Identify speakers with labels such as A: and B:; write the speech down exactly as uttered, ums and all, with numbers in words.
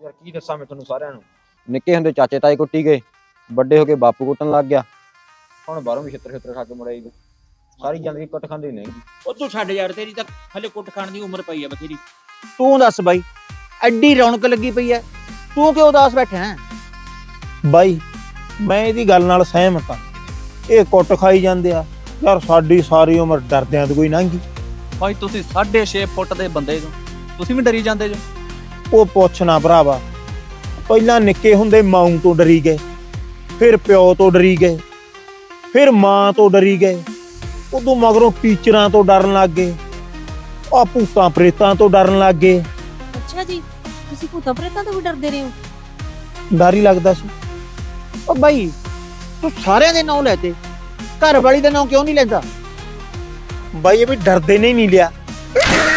A: ਯਾਰ ਕੀ ਦੱਸਾਂ ਮੈਂ ਤੁਹਾਨੂੰ ਸਾਰਿਆਂ ਨੂੰ।
B: ਨਿੱਕੇ ਹੁੰਦੇ ਚਾਚੇ ਤਾਏ ਕੁੱਟੀ ਗਏ, ਵੱਡੇ ਹੋ ਕੇ ਬਾਪੂ ਕੁੱਟਣ ਲੱਗ ਗਿਆ,
A: ਹੁਣ ਬਾਹਰੋਂ ਵੀ ਛਿੱਤਰ ਛਿੱਤਰ ਖਾ ਕੇ ਮੁੜਿਆ ਜੀ। ਸਾਰੀ ਜ਼ਿੰਦਗੀ ਕੁੱਟ ਖਾਂਦੇ ਨਹੀਂ।
C: ਉਹ ਤੂੰ ਛੱਡ ਯਾਰ, ਤੇਰੀ ਤਾਂ ਹਲੇ ਕੁੱਟ ਖਾਣ ਦੀ ਉਮਰ ਪਈ ਆ ਬਥੇਰੀ।
D: ਤੂੰ ਦੱਸ ਬਾਈ, ਐਡੀ ਰੌਣਕ ਲੱਗੀ ਪਈ ਐ, ਤੂੰ ਕਿਉਂ ਉਦਾਸ ਬੈਠਾ ਹੈ?
E: ਬਾਈ ਮੈਂ ਇਹਦੀ ਗੱਲ ਨਾਲ ਸਹਿਮਤ ਹਾਂ। ਇਹ ਕੁੱਟ ਖਾਈ ਜਾਂਦੇ ਆ ਯਾਰ, ਸਾਡੀ ਸਾਰੀ ਉਮਰ ਡਰਦਿਆਂ ਤੋਂ ਕੋਈ ਲੰਘੀ।
F: ਭਾਈ ਤੁਸੀਂ ਸਾਢੇ ਛੇ ਫੁੱਟ ਦੇ ਬੰਦੇ ਜੋ, ਤੁਸੀਂ ਵੀ ਡਰੀ ਜਾਂਦੇ ਜੋ।
E: ਉਹ ਪੁੱਛ ਨਾ ਭਰਾਵਾ, ਪਹਿਲਾਂ ਨਿੱਕੇ ਹੁੰਦੇ ਮਾਂ ਤੋਂ ਡਰੀ ਗਏ, ਫਿਰ ਪਿਓ ਤੋਂ ਡਰੀ ਗਏ, ਫਿਰ ਮਾਂ ਤੋਂ ਡਰੀ ਗਏ, ਉਦੋਂ ਮਗਰੋਂ ਟੀਚਰਾਂ ਤੋਂ ਡਰਨ ਲੱਗ ਗਏ, ਆ ਭੂਤਾਂ ਪ੍ਰੇਤਾਂ ਤੋਂ ਡਰਨ ਲੱਗ ਗਏ।
G: ਅੱਛਾ ਜੀ, ਤੁਸੀਂ ਭੂਤਾਂ ਪ੍ਰੇਤਾਂ ਤੋਂ ਵੀ ਡਰਦੇ ਰਹੇ ਹੋ?
E: ਡਰ ਹੀ ਲੱਗਦਾ ਸੀ।
D: ਉਹ ਬਾਈ ਤੂੰ ਸਾਰਿਆਂ ਦੇ ਨਾਂ ਲੈਤੇ, ਘਰ ਵਾਲੀ ਦਾ ਨਾਂ ਕਿਉਂ ਨਹੀਂ ਲੈਂਦਾ?
E: ਬਾਈ ਇਹ ਵੀ ਡਰਦੇ ਨੇ ਹੀ ਨਹੀਂ ਲਿਆ।